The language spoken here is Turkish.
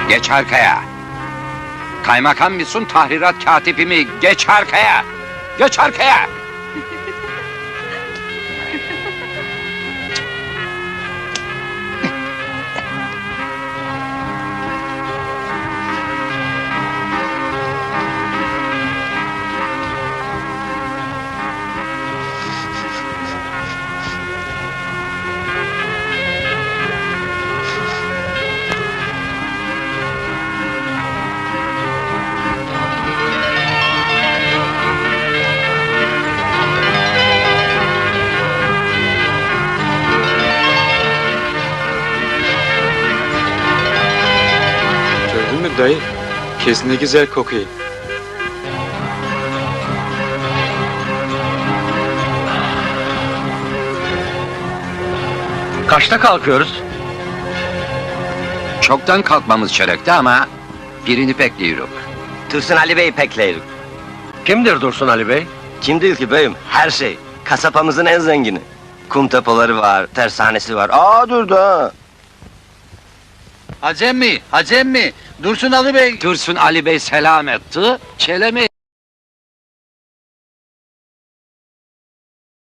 Geç arkaya! Kaymakam mısın, tahrirat katibi mi? Geç arkaya! Geç arkaya! Gördün mü dayı? Kes ne güzel kokuyor. Kaçta kalkıyoruz? Çoktan kalkmamız çörekti ama birini bekliyoruz. Dursun Ali Bey'i pekleyelim. Kimdir Dursun Ali Bey? Kim değil ki beyim? Her şey. Kasapamızın en zengini. Kum depoları var, tersanesi var. Aa dur da. Hacem mi? Dursun Ali Bey. Dursun Ali Bey selam etti, çeleme